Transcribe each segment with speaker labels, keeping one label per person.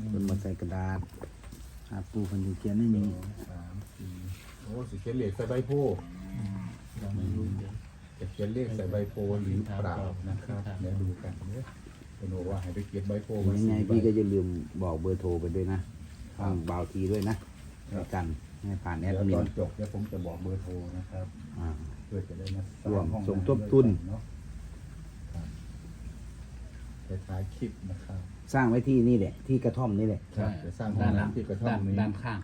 Speaker 1: คนมาใส่กระดาษปูคนที่เขียนไม่มี
Speaker 2: 3 4โอ้สิเขียนเลขใส่ใบโพยังไม่รู้จะเขียนเลขใส่ใบโพหรือเปล่านะครับเดี๋ยวดูกันเนี่ยเป็นบอกว่าให้ไปเขียนใบโพมา
Speaker 1: ยังไงพี่ก็จะลืมบอกเบอร์โทรไปด้วยนะทางบ่าวทีด้วยนะกันให้ผ่านแอดมิน
Speaker 2: ตอนจบเดี๋ยวผมจะบอกเบอร์โทรนะครับเพื่อจะได้มา
Speaker 1: ร่วมสมทบทุน
Speaker 2: เนาะไปท้ายคลิปนะครับ
Speaker 1: สร้างไว้ที่นี่แหละที่กระท่อมนี่แหละ
Speaker 2: ใช่จะสร้างห้องน้ำที่กระท่อมนี้
Speaker 3: ด้านข้าง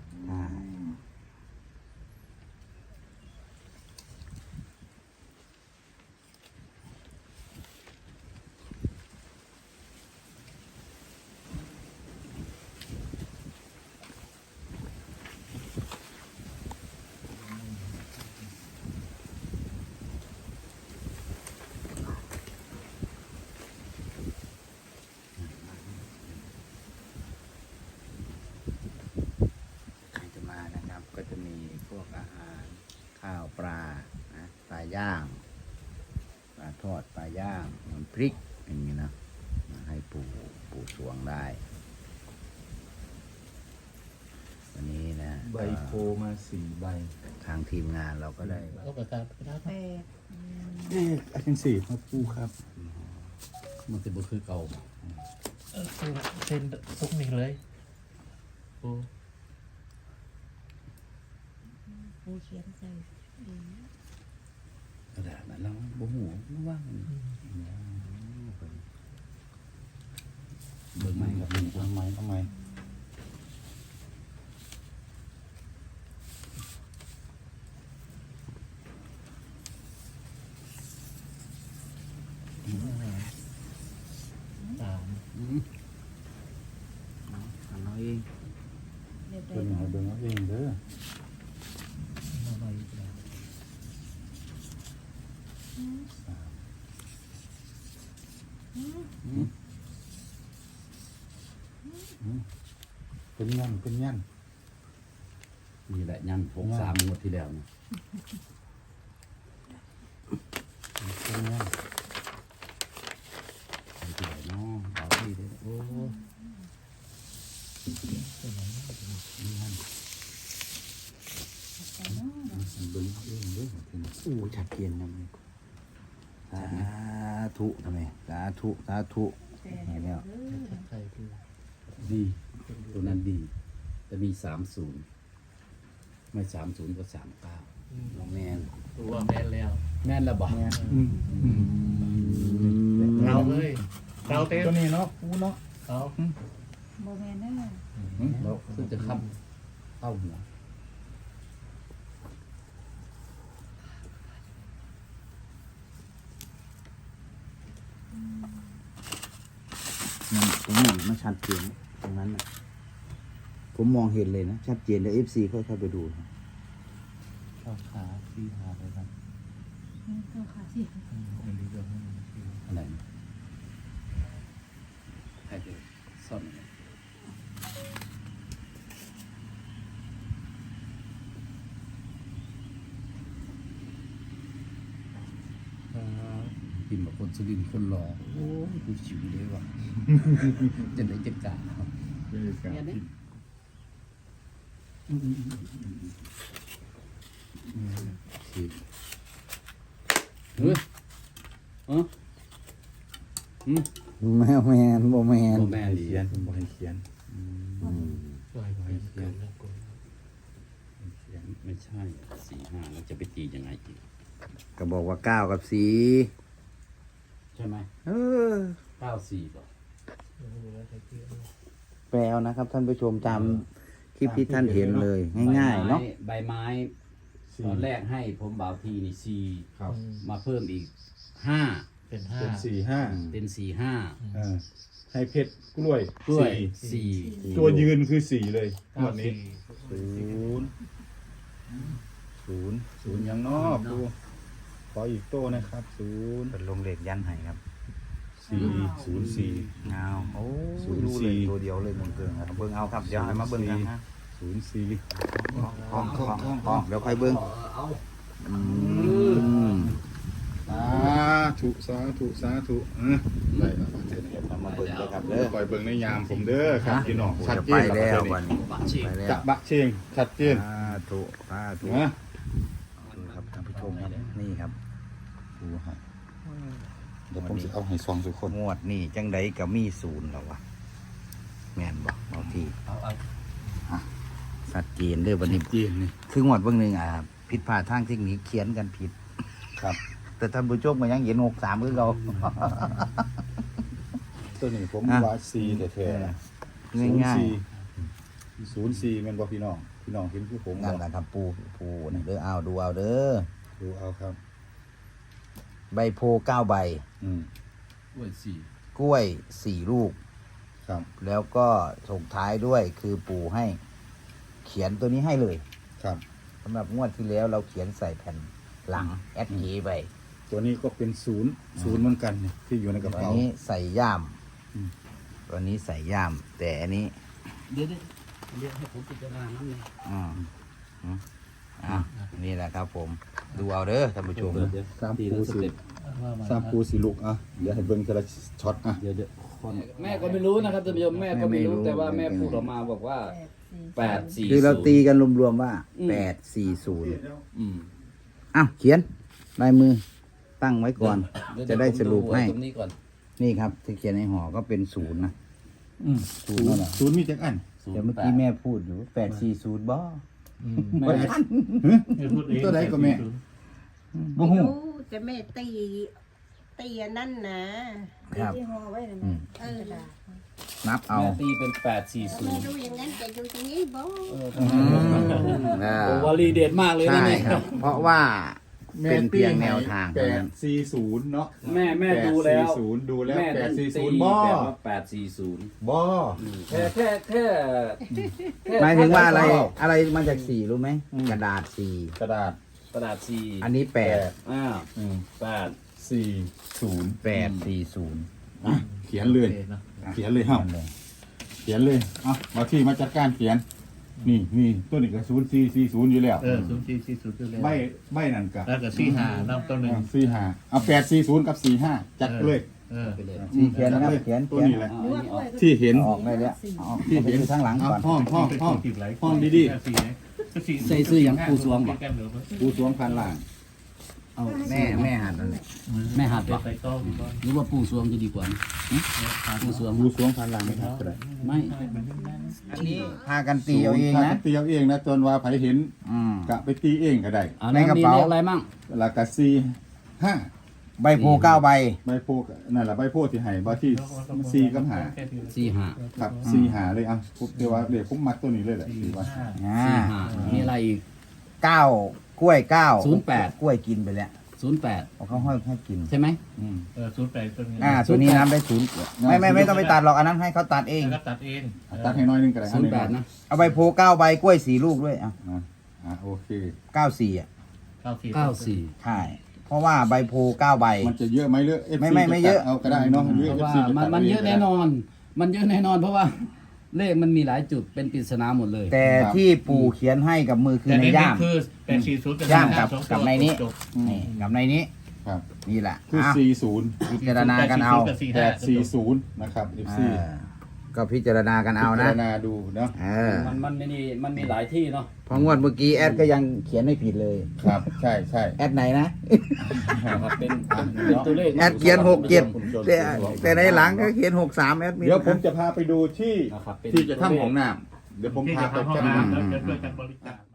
Speaker 1: ก็จะมีพวกอาหารข้าวปลานะปลาย่างปลาทอดปลาย่างน้ำพริกอย่างนี้นะมาให้ปูสวงได้วันนี้นะ
Speaker 2: ใบโพมา4 ใบ
Speaker 1: ทางทีมงานเราก็ได้
Speaker 3: เอากระดาษ
Speaker 2: อาจารย์4ครับปูครับ
Speaker 3: มันจะบ่คือเก่าเส้นซุกนี่เลยโอ้
Speaker 4: ผู้เขียนใส่
Speaker 1: กระดาษนั้นเราบ่หูไม่ว่าง
Speaker 2: เบิกไม้กับทำไม
Speaker 1: เราเอง
Speaker 2: เป็นยังไงเบิ่งเอาเองเด้อเป็นยัน
Speaker 3: นี่แหละยัน63งวดที่แล้วนะ
Speaker 2: เป็นยัน
Speaker 3: ที่ไหนเนาะเอาที่เด้อโอ้
Speaker 2: เบิ่งเอาเองเด้อ
Speaker 1: ชัดเจนนะมึงสาธุทำไมสาธุแล้ว
Speaker 3: ดีตัวนั้นดีจะมี30ไม่30ก็39
Speaker 1: แม่น
Speaker 3: ตัวแม่นแล้วแม่นแล้วบ่
Speaker 2: เรา
Speaker 3: เลยเราเต็ม
Speaker 2: ตัวนี้เนาะปูเนาะ
Speaker 3: เอา
Speaker 4: โมเมนต์นั่นแหละ
Speaker 3: เราคือจะค้ำเข้าหัว
Speaker 1: ตรงนั้นมันชัดเจนตรงนั้นนะผมมองเห็นเลยนะชัดเจนเลย FC ค่อยๆไปดู
Speaker 2: เข้าขาที่หาเลยครับ
Speaker 4: เข้าขาสิ
Speaker 3: อะไรใครจะซ่อนพิมพ์แบบคนสุรินทร์คนหล่อโอ้ยกูชิวเลยว่ะจะได้จัดการครับเนี่ยเนี่ยเฮ้ย
Speaker 1: แม่แมนโบแมน
Speaker 3: แม่
Speaker 2: เขียนผมบอกให้เขียน
Speaker 3: ไม่ใช่4-5แล้วจะไปตียังไงอีก
Speaker 1: ก็บอกว่า9 กับ 4
Speaker 3: ใช่ไหม94ป่ะ
Speaker 1: แปลเอานะครับท่านผู้ชมตามคลิปที่ท่านเห็นเลยง่ายๆเนาะ
Speaker 3: ใบไม้ตอนแรกให้ผมบ่าวทีนี่4
Speaker 2: ครับ
Speaker 3: มาเพิ่มอีก5
Speaker 2: เป็น4 5
Speaker 3: เป็น4-5
Speaker 2: ให้เพชรกล้วย
Speaker 3: 4
Speaker 2: ตัวยืนคือ4เลยงวดนี้0ยังนอกดูขออีกโต้นะครับ0
Speaker 1: เป็นลงเหล็กยันให้ครับ
Speaker 2: 404
Speaker 1: เงาโอ้รู้เลยตัวเดียวเลยมึงเกินครับเบิ่งเอาครับเดี๋ยวให้มาเบิ่งกันนะ
Speaker 2: 04
Speaker 1: ห้องเดี๋ยวค่อยเบิ่ง
Speaker 2: สาธุได้แล้วเทศน์ธรรม
Speaker 1: เบิ่งเลยครับเด้อ
Speaker 2: คอยเบิ่งในยามผมเด้อครับพี่น้องชัด
Speaker 1: จะ
Speaker 2: เจ
Speaker 1: ไป
Speaker 2: น
Speaker 1: แล้ว
Speaker 2: วั
Speaker 1: วัน น
Speaker 2: นี้
Speaker 1: นี้ไปแล้ว
Speaker 2: จะบะเชงชัดเจน
Speaker 1: ถูกถูก
Speaker 2: นะ
Speaker 1: ครับท่านผู้ชมครับนี่ครับ
Speaker 2: ดูฮะเดี๋ยวผมจะเอาให้ซองทุกคน
Speaker 1: งวดนี่จังไดก็มีศูนย์แล้ววะแม่นบอกบางทีชัดเจนเด้อวันนี้
Speaker 2: เจนนี่
Speaker 1: คืองวดเบื้องหนึ่งผิดพลาดทางเทคนิคเขียนกันผิด
Speaker 2: ครับ
Speaker 1: แต่ท่านผู้ชมก็ยังเห็น63คือเรา
Speaker 2: ตัวนี้ผม
Speaker 1: อ่ะ
Speaker 2: ว่าซีแท้ๆ
Speaker 1: ง่าย
Speaker 2: 04แม่นบ่พี่น้องเห็นคือผม
Speaker 1: ๆนั่นแหละครับปูนี่เด้อเอาดูเอาเด้อ
Speaker 2: ดูเอาครับ
Speaker 1: ใบโพ9ใบ
Speaker 2: อืม
Speaker 1: กล้วย4ลูก
Speaker 2: ครับ
Speaker 1: แล้วก็ส่งท้ายด้วยคือปู่ให้ เขียนตัวนี้ให้เลย
Speaker 2: ครับ
Speaker 1: สำหรับงวดที่แล้วเราเขียนใส่แผ่นหลังแอดกีไป
Speaker 2: ตัวนี้ก็เป็นศูนย์เหมือนกันเนี่ยที่อยู่ในกระ
Speaker 1: ตัว
Speaker 2: เป๋า
Speaker 1: นี้ใส่ย่าม
Speaker 2: อืม
Speaker 1: ตัวนี้ใส่ย่าม แต่อันนี้
Speaker 3: เดี๋ยวให้ผมพิจารณาน้ำเลย
Speaker 1: อืมนี่แหละครับผม ดูเอาเด้อท่านผู้ชม
Speaker 2: สามปูสีลูกอ่ะเดี๋ยวให้เบิ่งแต่ละช็อตอ่ะ
Speaker 3: เดี๋ยวแม่ก็ไม่รู้นะครับท่านผู้ชมแม่ก็ไม่รู้แต่ว่าแม่พูดออกมาบอกว่า840
Speaker 1: คือเราตีกันรวมๆว่า
Speaker 3: อืม
Speaker 1: 840
Speaker 3: อืม
Speaker 1: อ้าวเขียนลายมือตั้งไว้ก่อน
Speaker 3: เยว
Speaker 1: จะได้สรุปให้
Speaker 3: ตรงนี้ก่อน
Speaker 1: นี่ครับที่เขียนในห่อก็เป็น0นะศูนย์นั่นแหละ
Speaker 2: ศูนย์มีจักอัน
Speaker 1: เดี๋ยวเมื่อกี้แม่พูดอยู่840บ่
Speaker 3: แม่
Speaker 2: ตัวใดก็แม่
Speaker 1: บ่ฮู้
Speaker 5: รู้แต่แม่ตีอันนั่นนะครับ
Speaker 4: ที่ห่อไว้นั่น
Speaker 1: อืม
Speaker 5: เออ
Speaker 1: นับเอา
Speaker 3: แม่ตีเป็น
Speaker 5: ไม่
Speaker 3: 840
Speaker 5: รู้อย่างนั้นแต่อยู่ตรงนี้บ่
Speaker 3: โอ้วลีเด็ดมากเลยนะ
Speaker 1: ใช่
Speaker 3: เนี่ย
Speaker 1: ครับ เพราะว่าเป็นเพียงแนวทาง
Speaker 2: แป
Speaker 1: เท่า
Speaker 2: ด
Speaker 1: นั้น
Speaker 2: สี่ศูนย์เนาะ
Speaker 3: แม่ดูแล้ว
Speaker 2: 840ดูแล้ว
Speaker 3: แม่ต้องตี
Speaker 2: 840บ่
Speaker 3: แบบว่า840
Speaker 2: บ่
Speaker 3: แค่
Speaker 1: หมายถึงว่าอะไรมาจาก4รู้ไหมกระดาษ
Speaker 2: กระดาษ
Speaker 3: กระดาษ
Speaker 1: 4อันนี้8
Speaker 3: อ้าว
Speaker 2: 8 40
Speaker 1: 840
Speaker 2: อ่ะเขียนเลยเขียนเลยเฮ้าเขียนเลยเอามาที่มาจัดการเขียน นี่ตัวนี้ก็0440อยู่แล้ว
Speaker 6: 0440ก็เลย
Speaker 2: ใบนั่นก็
Speaker 6: แล้วก็45น้ำต้นหนึ่ง
Speaker 2: 45เอา840กับ45จัดเลย
Speaker 3: ไปเลย
Speaker 1: ที่เขียนนะครับเขียน
Speaker 2: ตัวนี้แหละ
Speaker 3: เอาอันนี้ออก
Speaker 2: ที่เห็น
Speaker 1: ออกได้แล้วเอาออก
Speaker 2: ที่เห็น
Speaker 1: ไปข้างหลังก่อน
Speaker 2: ห้อง ห้องดี
Speaker 3: ใส่ซื้ออย่างปูสวงบ่
Speaker 2: ๆปูสวงพันล่าง
Speaker 3: เอา
Speaker 1: แม่หันนั่นแหละ
Speaker 3: แม่หัดบ่
Speaker 6: ใส่ต้องดีกว่า
Speaker 3: หรือว่าปูสวงจะดีกว่าปูสวง
Speaker 2: ปูสวงพันล่างไม่ทับก็ได้
Speaker 3: ไม่
Speaker 1: อันนี้พากันตีเอาเอง
Speaker 2: ถ้า
Speaker 1: นะ
Speaker 2: ตีเอาเองนะจนว่าไผเห็น
Speaker 1: อืม
Speaker 2: กะไปตีเองก็ได้
Speaker 3: เอา
Speaker 1: ใน
Speaker 3: แล้ว
Speaker 1: กระ
Speaker 3: มี
Speaker 1: เป๋า
Speaker 3: เลขอะไรมั่ง
Speaker 2: แล้วก็45
Speaker 1: ใบโพ9ใบ
Speaker 2: ใบโพกนั่นแหละใบโพที่ให้บ่ที่4กับ5
Speaker 3: 45
Speaker 2: ครับ4 5เลยอ่ะผมเดี๋ยวว่าเดี๋ยวผมมักตัวนี้เลยแหละถือว่า
Speaker 1: อ่า
Speaker 3: 45มีอะไรอีก
Speaker 1: 9กล้วย9
Speaker 3: 08
Speaker 1: กล้วยกินไปแล้ว
Speaker 3: 08
Speaker 1: เอาเขาให้กิน
Speaker 3: ใช่ไหม
Speaker 2: อืม
Speaker 6: 08ต้นนี้
Speaker 1: ตัวนี้น้ำได้0ไม่ต้องไปตัดหรอกอันนั้นให้เขาตัดเอง
Speaker 6: แล้วก็ตัดเอง
Speaker 2: ตัดให้น้อยนึงก็ได้
Speaker 3: 08นะ
Speaker 1: เอาใบโพ9ใบกล้วย4ลูกด้วยอ่ะ
Speaker 2: โอเค
Speaker 1: 94อ่ะ
Speaker 3: 94
Speaker 1: ใช่เพราะว่าใบโพ9ใบ
Speaker 2: มันจะเยอะไหมเยอะ FC
Speaker 1: ไม่เยอะ
Speaker 2: เอาก็ได้เนาะ
Speaker 3: เพราะว่ามันเยอะแน่นอน มันเยอะแน่นอนเพราะว่าเลขมันมีหลายจุดเป็นปริศนาหมดเลย
Speaker 1: แต่ที่ปู่เขียนให้กับมือคือ
Speaker 6: แต่
Speaker 1: ใน
Speaker 6: ใน
Speaker 1: ย่าม
Speaker 6: คือ840กับ
Speaker 1: ย่ามกับในนี้
Speaker 6: จบ
Speaker 1: นี่กับในนี้
Speaker 2: ครับ
Speaker 1: นี่แหละ
Speaker 2: คือ
Speaker 1: อ่ะ
Speaker 2: 40
Speaker 1: พิจารณากันเอา
Speaker 6: กับ45
Speaker 2: 840นะครับ FC
Speaker 1: ก็พิจารณากันเอา
Speaker 2: พิ
Speaker 1: นะ
Speaker 2: จารณาดูเนาะ
Speaker 3: มันมีหลายที่เนาะ
Speaker 1: เพองวดเมื่อกี้แอดก็ยังเขียนไม่ผิดเลย
Speaker 2: ครับใช่ใช่
Speaker 1: แอดไหนนะ
Speaker 3: เป็นตัวเลข
Speaker 1: แอดเขียน67แต่ในหลังก็เขียน63แอดมิน
Speaker 2: เดี๋ยวผมจะพาไปดูที่
Speaker 3: นะครับเป็น
Speaker 2: ที่จะทำของน้ำเดี๋ยวผม
Speaker 6: ที่
Speaker 2: พา
Speaker 6: จะ
Speaker 2: ไป
Speaker 6: ทำห้อง
Speaker 2: จัด
Speaker 6: น้ำแล้วจะช่วยกันบริจาค